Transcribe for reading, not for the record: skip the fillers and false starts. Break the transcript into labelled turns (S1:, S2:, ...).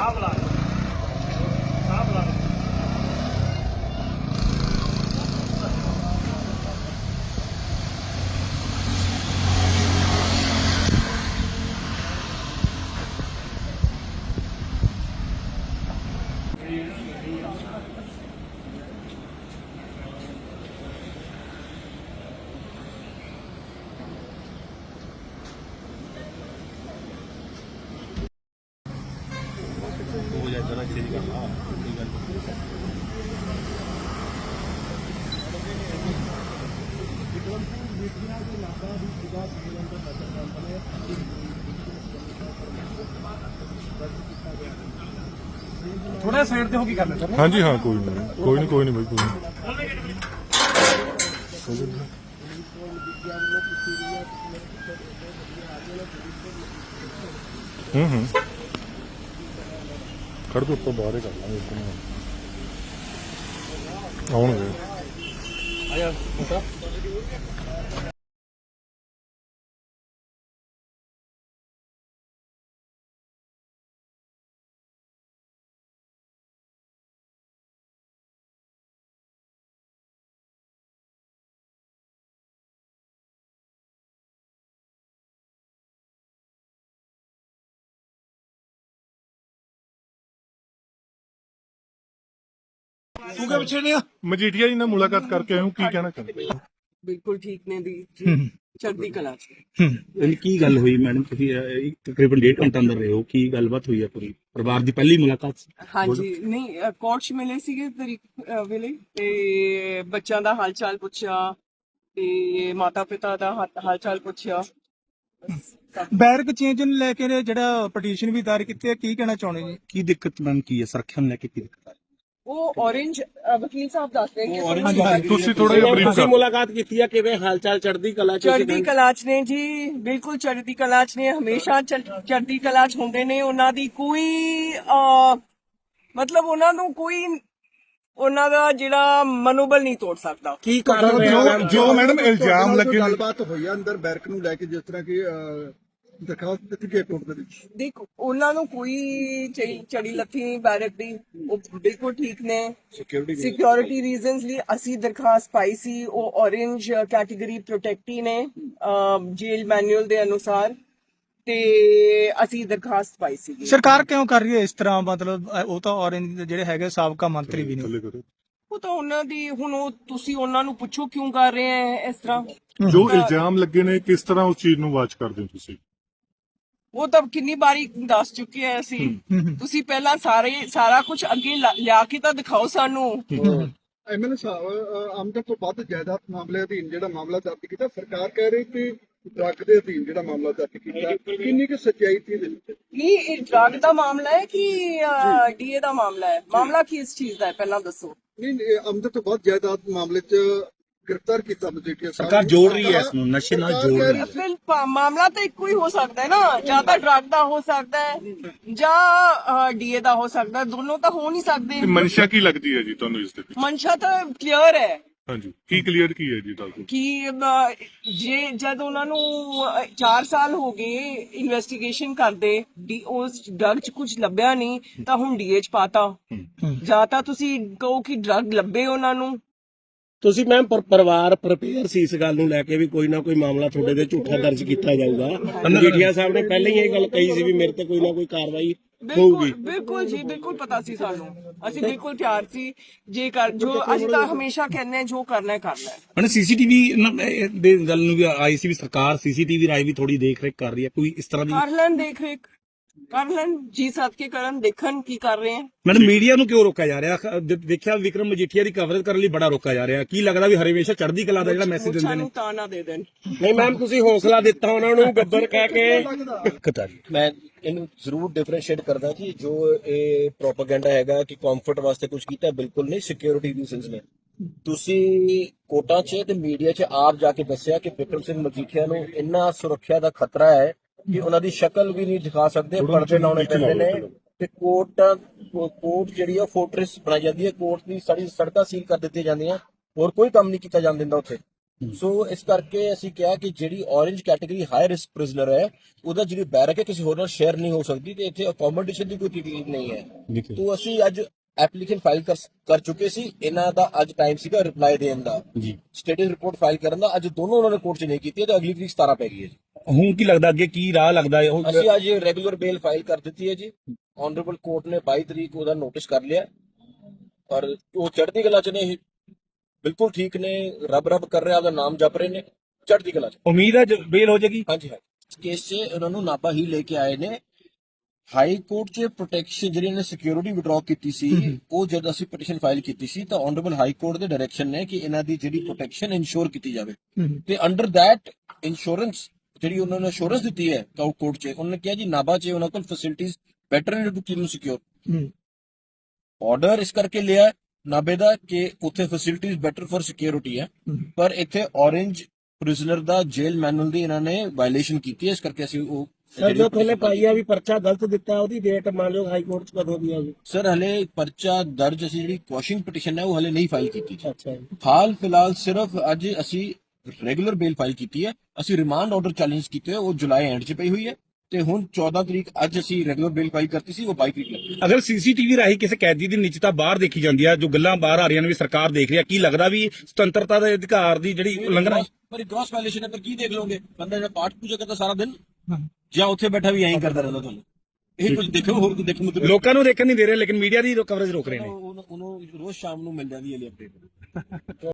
S1: थोड़ा साइड पे हो की करना सर।
S2: हाँ जी हाँ, कोई नहीं भाई, कोई नहीं। खड़ के ऊपर बाहर कर लेंगे आउणगे।
S1: तू क्या पिछे नहीं
S2: मजीठिया जी ਨਾਲ ਮੁਲਾਕਾਤ ਕਰਕੇ ਆਇਆ ਹੂੰ, ਕੀ ਕਹਿਣਾ ਚਾਹੁੰਦੇ?
S3: ਬਿਲਕੁਲ ਠੀਕ ਨੇ ਦੀ ਚੜ੍ਹਦੀ ਕਲਾ
S4: ਕੀ ਗੱਲ ਹੋਈ ਮੈਡਮ? ਤੁਸੀਂ ਤਕਰੀਬਨ 1.5 ਘੰਟਾ ਅੰਦਰ ਰਹੇ ਹੋ, ਕੀ ਗੱਲਬਾਤ ਹੋਈ ਹੈ? ਪੂਰੀ ਪਰਿਵਾਰ ਦੀ ਪਹਿਲੀ ਮੁਲਾਕਾਤ ਸੀ?
S3: ਹਾਂਜੀ, ਨਹੀਂ ਕੋਰਟ 'ਚ ਮਿਲੇ ਸੀਗੇ ਤਰੀਕ ਵੇਲੇ ਤੇ ਬੱਚਿਆਂ ਦਾ ਹਾਲ ਚਾਲ ਪੁੱਛਿਆ ਤੇ ਮਾਤਾ ਪਿਤਾ ਦਾ ਹਾਲ ਚਾਲ ਪੁੱਛਿਆ।
S1: ਬੈਰਕ ਚੇਂਜ ਨੂੰ ਲੈ ਕੇ ਜਿਹੜਾ ਪਟੀਸ਼ਨ ਵੀ ਦਾਇਰ ਕੀਤੀ ਹੈ, ਕੀ ਕਹਿਣਾ ਚਾਹੁੰਦੇ ਜੀ?
S4: ਕੀ ਦਿੱਕਤ ਮੈਮ ਕੀ ਹੈ? ਸੁਰੱਖਿਆ ਨੂੰ ਲੈ ਕੇ ਕੀ ਦਿੱਕਤ ਹੈ?
S3: ਉਹ orange ਵਕੀਲ ਸਾਹਿਬ ਦੱਸ ਰਹੇ ਕਿ
S2: ਤੁਸੀਂ ਥੋੜਾ ਜਿਹਾ ਬਰੀਫ
S4: ਤੁਸੀਂ ਮੁਲਾਕਾਤ ਕੀਤੀ ਹੈ, ਕਿਵੇਂ ਹਾਲ ਚਾਲ? ਚੜ੍ਹਦੀ ਕਲਾ ਚ?
S3: ਚੜ੍ਹਦੀ ਕਲਾ 'ਚ ਨੇ ਜੀ, ਬਿਲਕੁਲ ਚੜ੍ਹਦੀ ਕਲਾ 'ਚ ਨੇ, ਹਮੇਸ਼ਾ ਚੜ੍ਹਦੀ ਕਲਾ 'ਚ ਹੁੰਦੇ ਨੇ। ਉਹਨਾਂ ਦੀ ਕੋਈ ਮਤਲਬ ਉਹਨਾਂ ਨੂੰ ਕੋਈ ਉਹਨਾਂ ਦਾ ਜਿਹੜਾ ਮਨੋਬਲ ਨਹੀਂ ਤੋੜ ਸਕਦਾ।
S4: ਕੀ ਕਾਰਨ
S2: ਜੋ ਮੈਡਮ ਇਲਜ਼ਾਮ ਲੱਗੇ
S5: ਗੱਲਬਾਤ ਹੋਈ ਆ ਅੰਦਰ ਬੈਰਕ ਨੂੰ ਲੈ ਕੇ, ਜਿਸ ਤਰ੍ਹਾਂ ਕਿ ਦਰਖਾਸਤ ਦਿੱਤੀ ਗਈ ਕੋਰਟ ਦੇ ਵਿੱਚ?
S3: ਦੇਖੋ, ਉਹਨਾਂ ਨੂੰ ਕੋਈ ਚੜੀ ਲੱਥੀ ਨਹੀਂ ਬੈਰਕ ਦੀ, ਉਹ ਬਿਲਕੁਲ ਠੀਕ ਨੇ। ਸਿਕਿਉਰਿਟੀ ਰੀਜ਼ਨਸ ਲਈ ਅਸੀਂ ਦਰਖਾਸਤ ਪਾਈ ਸੀ, ਉਹ ਔਰੇਂਜ ਕੈਟੇਗਰੀ ਪ੍ਰੋਟੈਕਟੀ ਨੇ ਜੇਲ ਮੈਨੂਅਲ ਦੇ ਅਨੁਸਾਰ, ਤੇ ਅਸੀਂ ਦਰਖਾਸਤ ਪਾਈ ਸੀ।
S1: ਸਰਕਾਰ ਕਿਉਂ ਕਰ ਰਹੀ ਹੈ ਇਸ ਤਰ੍ਹਾਂ? ਮਤਲਬ ਉਹ ਤਾਂ ਔਰੰਜ ਜਿਹੜੇ ਹੈਗੇ ਸਾਬਕਾ ਮੰਤਰੀ ਵੀ ਨੇ।
S3: ਉਹ ਤਾਂ ਉਹਨਾਂ ਦੀ, ਹੁਣ ਉਹ ਤੁਸੀਂ ਉਹਨਾਂ ਨੂੰ ਪੁੱਛੋ ਕਿਉਂ ਕਰ ਰਹੇ ਹੈ ਇਸ ਤਰ੍ਹਾਂ।
S2: ਜੋ ਇਲਜ਼ਾਮ ਲੱਗੇ ਨੇ, ਕਿਸ ਤਰ੍ਹਾਂ ਉਸ ਚੀਜ਼ ਨੂੰ ਵਾਚ ਕਰਦੇ ਹੋ ਤੁਸੀਂ?
S3: ਉਹ ਤਾਂ ਕਿੰਨੀ ਵਾਰੀ ਦੱਸ ਚੁੱਕੇ ਆ ਅਸੀਂ। ਤੁਸੀਂ ਪਹਿਲਾਂ ਸਾਰਾ ਕੁਝ ਅੱਗੇ ਲਿਆ ਕੇ ਤਾਂ ਦਿਖਾਓ ਸਾਨੂੰ।
S5: ਐਮਐਲਏ ਸਾਹਿਬ, ਆਮਦਨ ਤੋਂ ਵੱਧ ਜਾਇਦਾਦ ਮਾਮਲੇ ਅਧੀਨ ਜਿਹੜਾ ਮਾਮਲਾ ਦਰਜ ਕੀਤਾ, ਸਰਕਾਰ ਕਹਿ ਰਹੀ ਕਿ ਡਰੱਗ ਦੇ ਅਧੀਨ ਜਿਹੜਾ ਮਾਮਲਾ ਦਰਜ ਕੀਤਾ, ਕਿੰਨੀ ਕੁ ਸੱਚਾਈ ਸੀ ਇਹਦੇ ਵਿੱਚ?
S3: ਨਹੀਂ, ਇਹ ਡਰੱਗ ਦਾ ਮਾਮਲਾ ਹੈ ਕਿ ਡੀਏ ਦਾ ਮਾਮਲਾ ਹੈ? ਮਾਮਲਾ ਕਿਸ ਚੀਜ਼ ਦਾ ਹੈ ਪਹਿਲਾਂ ਦੱਸੋ।
S5: ਨਹੀਂ, ਆਮਦਨ ਤੋਂ ਵੱਧ ਜਾਇਦਾਦ ਮਾਮਲੇ 'ਚ ਗ੍ਰਿਫਤਾਰ ਕੀਤਾ ਮਜੀਠੀਆ ਸਾਹਿਬ।
S4: ਸਰਕਾਰ ਜੋੜ ਰਹੀ ਹੈ ਇਸ ਨੂੰ, ਨਸ਼ੇ ਨਾਲ ਜੋੜ ਰਹੀ ਹੈ।
S3: ਫਿਰ ਮਾਮਲਾ ਤਾਂ ਇੱਕੋ ਹੀ ਹੋ ਸਕਦਾ ਹੈ ਨਾ, ਜਾਂ ਤਾਂ ਡਰੱਗ ਦਾ ਹੋ ਸਕਦਾ ਹੈ ਜਾਂ ਡੀਏ ਦਾ ਹੋ ਸਕਦਾ ਹੈ, ਦੋਨੋਂ ਤਾਂ ਹੋ ਨਹੀਂ ਸਕਦੇ।
S2: ਮਨਸ਼ਾ ਕੀ ਲੱਗਦੀ ਹੈ ਜੀ ਤੁਹਾਨੂੰ ਇਸ ਦੇ ਵਿੱਚ?
S3: ਮਨਸ਼ਾ ਤਾਂ ਕਲੀਅਰ ਹੈ।
S2: ਹਾਂਜੀ, ਕੀ ਕਲੀਅਰ ਕੀ ਹੈ ਜੀ ਦੱਸੋ?
S3: ਕਿ ਜੇ ਜਦ ਉਹਨਾਂ ਨੂੰ 4 ਸਾਲ ਹੋ ਗਏ ਇਨਵੈਸਟੀਗੇਸ਼ਨ ਕਰਦੇ, ਉਸ ਡਰਗ 'ਚ ਕੁਝ ਲੱਭਿਆ ਨਹੀਂ ਤਾਂ ਹੁਣ ਡੀਏ 'ਚ ਪਾਤਾ, ਜਾਂ ਤਾਂ ਤੁਸੀਂ ਕਹੋ ਕਿ ਡਰਗ ਲੱਭੇ ਉਹਨਾਂ ਨੂੰ।
S4: ਤੁਸੀਂ ਮੈਮ ਪਰਿਵਾਰ ਪ੍ਰਪੇਅਰ ਸੀ ਇਸ ਗੱਲ ਨੂੰ ਲੈ ਕੇ ਵੀ ਕੋਈ ਨਾ ਕੋਈ ਮਾਮਲਾ ਤੁਹਾਡੇ ਤੇ ਝੂਠਾ ਦਰਜ ਕੀਤਾ ਜਾਊਗਾ? ਮਜੀਠੀਆ ਸਾਹਿਬ ਨੇ ਪਹਿਲਾਂ ਹੀ ਇਹ ਗੱਲ ਕਹੀ ਸੀ ਵੀ ਮੇਰੇ ਤੇ ਕੋਈ ਨਾ ਕੋਈ ਕਾਰਵਾਈ ਹੋਊਗੀ।
S3: ਬਿਲਕੁਲ ਜੀ, ਬਿਲਕੁਲ ਪਤਾ ਸੀ ਸਾਨੂੰ, ਅਸੀਂ ਬਿਲਕੁਲ ਤਿਆਰ ਸੀ। ਜੋ ਅਸੀਂ ਤਾਂ ਹਮੇਸ਼ਾ ਕਹਿੰਦੇ ਜੋ ਕਰਨਾ ਹੈ ਕਰਨਾ ਹੈ।
S4: ਹੁਣ ਸੀਸੀਟੀਵੀ ਦੇ ਗੱਲ ਨੂੰ ਵੀ ਆਈ ਸੀ ਵੀ ਸਰਕਾਰ ਸੀਸੀਟੀਵੀ ਰਾਈ ਵੀ ਥੋੜੀ ਦੇਖ ਰੇਖ ਕਰ ਰਹੀ ਹੈ, ਕੋਈ ਇਸ ਤਰ੍ਹਾਂ ਦੀ?
S3: ਕਰ ਲੈਣ ਦੇਖ ਰੇਖ, ਕਰ ਲੈਣ ਜੀ ਸੱਦ ਕੇ ਕਰਨ, ਦੇਖਣ ਕੀ ਕਰ ਰਹੇ ਹਨ।
S4: ਮੈਡਮ ਮੀਡੀਆ ਨੂੰ ਕਿਉਂ ਰੋਕਿਆ ਜਾ ਰਿਹਾ? ਦੇਖਿਆ ਵਿਕਰਮ ਮਜੀਠੀਆ ਦੀ ਕਵਰੇਜ ਕਰਨ ਲਈ ਬੜਾ ਰੋਕਿਆ ਜਾ ਰਿਹਾ, ਕੀ ਲੱਗਦਾ ਵੀ ਹਮੇਸ਼ਾ ਚੜ੍ਹਦੀ ਕਲਾ ਦਾ ਜਿਹੜਾ ਮੈਸੇਜ ਦਿੰਦੇ ਨੇ?
S3: ਸਾਨੂੰ ਤਾਂ ਨਾ ਦੇ ਦੇਣ।
S4: ਨਹੀਂ ਮੈਮ, ਤੁਸੀਂ ਹੌਸਲਾ ਦਿੱਤਾ ਉਹਨਾਂ ਨੂੰ ਗੱਬਰ ਕਹਿ ਕੇ।
S6: ਮੈਂ ਇਹਨੂੰ ਜ਼ਰੂਰ ਡਿਫਰੈਂਸ਼ੀਏਟ ਕਰਦਾ ਕਿ ਜੋ ਇਹ ਪ੍ਰੋਪਾਗੈਂਡਾ ਹੈਗਾ ਕਿ ਕੰਫਰਟ ਵਾਸਤੇ ਕੁਝ ਕੀਤਾ, ਬਿਲਕੁਲ ਨਹੀਂ। ਸਿਕਿਉਰਿਟੀ ਰੀਜ਼ਨਸ ਨੇ। ਤੁਸੀਂ ਕੋਰਟਾਂ 'ਚ ਤੇ ਮੀਡੀਆ 'ਚ ਆਪ ਜਾ ਕੇ ਦੱਸਿਆ ਕਿ ਵਿਕਰਮ ਸਿੰਘ ਮਜੀਠੀਆ ਨੂੰ ਇੰਨਾ ਸੁਰੱਖਿਆ ਦਾ ਖਤਰਾ ਹੈ ਕਿ ਉਹਨਾਂ ਦੀ ਸ਼ਕਲ ਵੀ ਨਹੀਂ ਦਿਖਾ ਸਕਦੇ, ਪਰਦੇ ਲਾਉਣੇ ਪੈਂਦੇ ਨੇ। ਤੇ ਕੋਰਟ ਜਿਹੜੀ ਆ ਫੋਰਟ੍ਰੈਸ ਬਣਾਈ ਜਾਂਦੀ ਹੈ, ਕੋਰਟ ਦੀ ਸਾਰੀ ਸੜਕਾਂ ਸੀਲ ਕਰ ਦਿੱਤੀਆਂ ਜਾਂਦੀਆਂ, ਹੋਰ ਕੋਈ ਕੰਮ ਨਹੀਂ ਕੀਤਾ ਜਾਣ ਦਿੰਦਾ ਉੱਥੇ। ਸੋ ਇਸ ਕਰਕੇ ਅਸੀਂ ਕਿਹਾ ਕਿ ਜਿਹੜੀ orange category high risk prisoner ਹੈ ਉਹਦਾ ਜਿਹੜੀ ਬੈਰਕ ਹੈ ਕਿਸੇ ਹੋਰ ਨਾਲ ਸ਼ੇਅਰ ਨਹੀਂ ਹੋ ਸਕਦੀ ਤੇ ਇੱਥੇ ਅਕੋਮੋਡੇਸ਼ਨ ਦੀ ਕੋਈ ਤਕਲੀਫ ਨਹੀਂ ਹੈ। ਤੋਂ ਅਸੀਂ ਅੱਜ ਐਪਲੀਕੇਸ਼ਨ ਫਾਈਲ ਕਰ ਚੁੱਕੇ ਸੀ, ਇਹਨਾਂ ਦਾ ਅੱਜ ਟਾਈਮ ਸੀਗਾ ਰਿਪਲਾਈ ਦੇਣ ਦਾ ਜੀ, ਸਟੇਟਸ ਰਿਪੋਰਟ ਫਾਈਲ ਕਰਨ ਦਾ। ਅੱਜ ਦੋਨੋਂ ਉਹਨਾਂ ਨੇ ਕੋਰਟ 'ਚ ਨਹੀਂ ਕੀਤੀ ਤੇ ਅਗਲੀ ਤਰੀਕ 17 ਪੈ ਗਈ ਹੈ ਜੀ।
S7: ਹੁਣ ਕੀ ਲੱਗਦਾ ਅੱਗੇ ਕੀ ਰਾਹ ਲੱਗਦਾ ਹੈ? ਉਹ
S6: ਅਸੀਂ ਅੱਜ ਰੈਗੂਲਰ ਬੇਲ ਫਾਈਲ ਕਰ ਦਿੱਤੀ ਹੈ ਜੀ। ਆਨਰੇਬਲ ਕੋਰਟ ਨੇ 22 ਤਰੀਕ ਉਹਦਾ ਨੋਟਿਸ ਕਰ ਲਿਆ ਔਰ ਉਹ ਚੜ੍ਹਦੀ ਕਲਾ 'ਚ ਨੇ, ਬਿਲਕੁਲ ਠੀਕ ਨੇ, ਰੱਬ ਕਰ ਰਿਹਾ, ਉਹਦਾ ਨਾਮ ਜਪ ਰਹੇ ਨੇ, ਚੜ੍ਹਦੀ ਕਲਾ 'ਚ।
S7: ਉਮੀਦ ਹੈ ਬੇਲ ਹੋ ਜਾਏਗੀ।
S6: ਹਾਂਜੀ ਹਾਂ, ਇਸ ਕੇਸ 'ਚ ਉਹਨਾਂ ਨੂੰ ਨਾਭਾ ਹੀ ਲੈ ਕੇ ਆਏ ਨੇ। ਹਾਈ ਕੋਰਟ 'ਚ ਪ੍ਰੋਟੈਕਸ਼ਨ ਜਿਹੜੀ ਇਹਨੇ ਸਿਕਿਉਰਿਟੀ ਵਿਡਰਾਅ ਕੀਤੀ ਸੀ, ਉਹ ਜਦ ਅਸੀਂ ਪਟੀਸ਼ਨ ਫਾਈਲ ਕੀਤੀ ਸੀ ਤਾਂ ਆਨਰੇਬਲ ਹਾਈ ਕੋਰਟ ਦੇ ਡਾਇਰੈਕਸ਼ਨ ਨੇ ਕਿ ਇਹਨਾਂ ਦੀ ਜਿਹੜੀ ਪ੍ਰੋਟੈਕਸ਼ਨ ਇਨਸ਼ੋਰ ਕੀਤੀ ਜਾਵੇ ਤੇ ਅੰਡਰ ਦੈਟ ਇੰਸ਼ੋਰੈਂਸ ਜਿਹੜੀ ਉਹਨਾਂ ਨੇ ਇੰਸ਼ੋਰੈਂਸ ਦਿੱਤੀ ਹੈ ਕੋਰਟ 'ਚ, ਉਹਨਾਂ ਨੇ ਕਿਹਾ ਜੀ ਨਾਭਾ 'ਚ ਉਹਨਾਂ ਕੋਲ ਫੈਸਿਲਿਟੀਜ਼ ਬੈਟਰ ਨੇ ਟੂ ਕੀਪ ਨੂੰ ਸਿਕਿਉਰ। ਆਰਡਰ ਇਸ ਕਰਕੇ ਲਿਆ ਨਾਭੇ ਦਾ ਕਿ ਉੱਥੇ ਫੈਸਿਲਿਟੀਜ਼ ਬੈਟਰ ਫॉर ਸਿਕਿਉਰਿਟੀ ਹੈ, ਪਰ ਇੱਥੇ orange ਪ੍ਰਿਜ਼ਨਰ ਦਾ ਜੇਲ ਮੈਨੂਅਲ ਦੀ ਇਹਨਾਂ ਨੇ ਵਾਇਲੇਸ਼ਨ ਕੀਤੀ ਹੈ, ਇਸ ਕਰਕੇ ਅਸੀਂ ਉਹ
S4: ਸਰ ਜੋ ਥੱਲੇ ਪਾਈ ਆ ਵੀ ਪਰਚਾ ਗਲਤ ਦਿੱਤਾ, ਉਹਦੀ ਡੇਟ ਮੰਨ ਲਓ ਹਾਈ ਕੋਰਟ 'ਚ ਕਦੋਂ ਦੀ ਆ ਜੀ?
S6: ਸਰ ਹਲੇ ਪਰਚਾ ਦਰਜ ਅਸੀਂ ਜਿਹੜੀ ਕੁਐਸ਼ਿੰਗ ਪਟੀਸ਼ਨ ਹੈ ਉਹ ਹਲੇ ਨਹੀਂ ਫਾਈਲ ਕੀਤੀ ਜੀ।
S4: ਅੱਛਾ ਜੀ।
S6: ਹਾਲ ਫਿਲਹਾਲ ਸਿਰਫ ਅੱਜ ਅਸੀਂ ਰੈਗੂਲਰ ਬੇਲ ਫਾਈਲ ਕੀਤੀ ਹੈ। ਅਸੀਂ ਰਿਮਾਂਡ ਆਰਡਰ ਚੈਲੰਜ ਕੀਤੇ ਹੋਏ, ਉਹ ਜੁਲਾਈ ਐਂਡ 'ਚ ਪਈ ਹੋਈ ਹੈ ਤੇ ਹੁਣ 14 ਤਰੀਕ ਅੱਜ ਅਸੀਂ ਰੈਗੂਲਰ ਬੇਲ ਫਾਈਲ ਕਰਤੀ ਸੀ, ਉਹ 22 ਤਰੀਕ ਲੱਗੀ।
S7: ਅਗਰ ਸੀਸੀਟੀਵੀ ਰਾਹੀਂ ਕਿਸੇ ਕੈਦੀ ਦੀ ਨਿੱਜਤਾ ਬਾਹਰ ਦੇਖੀ ਜਾਂਦੀ ਹੈ, ਜੋ ਗੱਲਾਂ ਬਾਹਰ ਆ ਰਹੀਆਂ ਨੇ ਵੀ ਸਰਕਾਰ ਦੇਖ ਰਹੀ ਹੈ, ਕੀ ਲੱਗਦਾ ਵੀ ਸੁਤੰਤਰਤਾ ਦੇ ਅਧਿਕਾਰ ਦੀ ਜਿਹੜੀ ਉਲੰਘਣਾ?
S6: ਪਰ ਗ੍ਰੋਸ ਵਾਇਲੇਸ਼ਨ ਹੈ, ਪਰ ਕੀ ਦੇਖ ਲਓਗੇ? ਬੰਦਾ ਜਿਹੜਾ ਪਾਠ ਪੂਜਾ ਕਰਦਾ ਸਾਰਾ ਦਿਨ ਜਾਂ ਉੱਥੇ ਬੈਠਾ ਵੀ ਐਂ ਕਰਦਾ ਰਹਿੰਦਾ, ਤੁਹਾਨੂੰ ਇਹ ਕੁਝ ਦੇਖੋ, ਹੋਰ ਕੁਝ ਦੇਖੋ ਮਤਲਬ
S7: ਲੋਕਾਂ ਨੂੰ ਦੇਖਣ ਨਹੀਂ ਦੇ ਰਹੇ, ਲੇਕਿਨ ਮੀਡੀਆ ਦੀ ਕਵਰੇਜ ਰੋਕ ਰਹੇ ਨੇ।
S6: ਉਹਨੂੰ ਰੋਜ਼ ਸ਼ਾਮ ਨੂੰ ਮਿਲ ਜਾਂਦੀ ਹੈ ਅਪਡੇਟ।